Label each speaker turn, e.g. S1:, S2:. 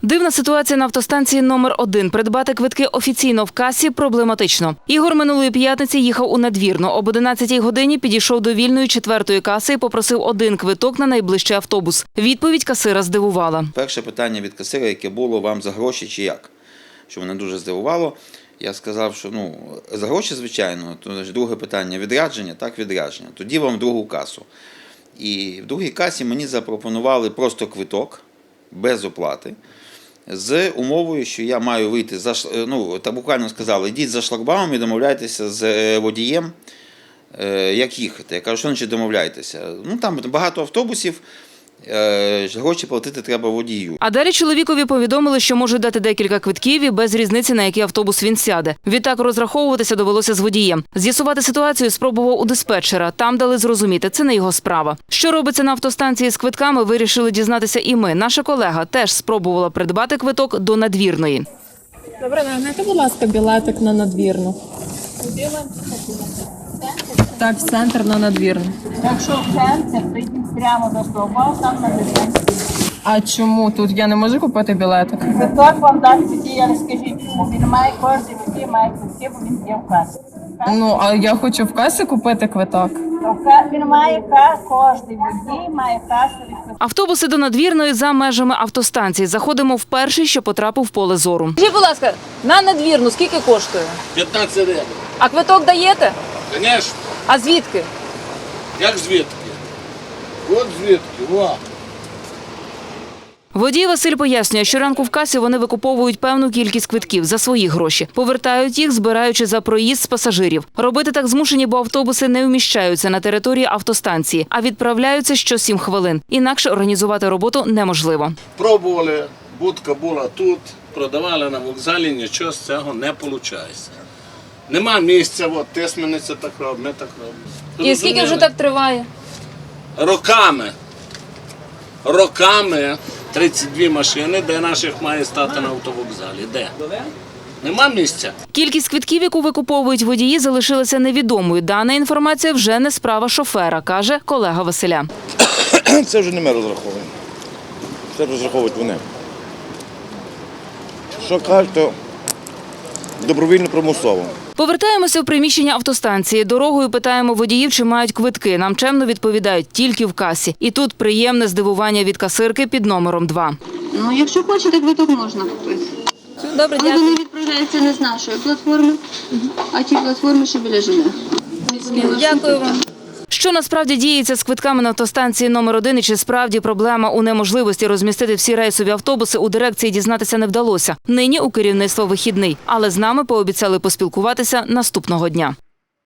S1: Дивна ситуація на автостанції номер 1. Придбати квитки офіційно в касі проблематично. Ігор минулої п'ятниці їхав у Надвірну. Об 11-й годині підійшов до вільної 4-ї каси і попросив один квиток на найближчий автобус. Відповідь касира здивувала.
S2: Перше питання від касира, яке було: вам за гроші чи як? Що мене дуже здивувало. Я сказав, що за гроші, звичайно. Друге питання – відрядження? Так, відрядження. Тоді вам другу касу. І в другій касі мені запропонували просто квиток, без оплати, з умовою, що я маю вийти, так буквально сказали, йдіть за шлагбаумом і домовляйтеся з водієм, як їхати. Я кажу, що значить домовляйтеся? Там багато автобусів, гроші платити треба водію.
S1: А далі чоловікові повідомили, що можуть дати декілька квитків і без різниці, на який автобус він сяде. Відтак розраховуватися довелося з водієм. З'ясувати ситуацію спробував у диспетчера. Там дали зрозуміти, це не його справа. Що робиться на автостанції з квитками, вирішили дізнатися і ми. Наша колега теж спробувала придбати квиток до Надвірної.
S3: Добре, нагадайте, будь ласка, білетик на Надвірну. Так, в центр на Надвірну.
S4: Якщо в центр, прийдіть прямо до стовба, там на дистанції.
S3: А чому тут я не можу купити білетик?
S4: Квиток вам дасть водій, але скажіть йому. Він має кожен водій, має квитки, бо він є в касі.
S3: А я хочу в касі купити квиток.
S4: Він має кожен водій, має касові квитки.
S1: Автобуси до Надвірної за межами автостанції. Заходимо в перший, що потрапив в поле зору.
S5: Скажіть, будь ласка, на Надвірну скільки коштує?
S6: 15 гривень.
S5: А квиток даєте?
S6: Звісно.
S5: А звідки?
S6: Як звідки? От звідки, о.
S1: Водій Василь пояснює, що ранку в касі вони викуповують певну кількість квитків за свої гроші. Повертають їх, збираючи за проїзд з пасажирів. Робити так змушені, бо автобуси не вміщаються на території автостанції, а відправляються що 7 хвилин. Інакше організувати роботу неможливо.
S6: Пробували, будка була тут, продавали на вокзалі, нічого з цього не виходить. Нема місця, от Тисмениця так робить, ми так робимо.
S5: І скільки вже так триває?
S6: Роками 32 машини, де наших має стати на автовокзалі. Де? Нема місця.
S1: Кількість квитків, яку викуповують водії, залишилася невідомою. Дана інформація вже не справа шофера, каже колега Василя.
S7: Це вже не ми розраховуємо. Це розраховують вони. Що кажуть, то добровільно примусово.
S1: Повертаємося в приміщення автостанції. Дорогою питаємо водіїв, чи мають квитки. Нам чемно відповідають – тільки в касі. І тут приємне здивування від касирки під номером 2.
S8: Якщо хочете, квиток можна купити.
S5: Добре,
S8: Але
S5: дякую.
S8: вони відправляються не з нашої платформи, а ті платформи, що біля ЖД.
S5: Дякую вам.
S1: Що насправді діється з квитками на автостанції номер 1 і чи справді проблема у неможливості розмістити всі рейсові автобуси, у дирекції дізнатися не вдалося. Нині у керівництва вихідний, але з нами пообіцяли поспілкуватися наступного дня.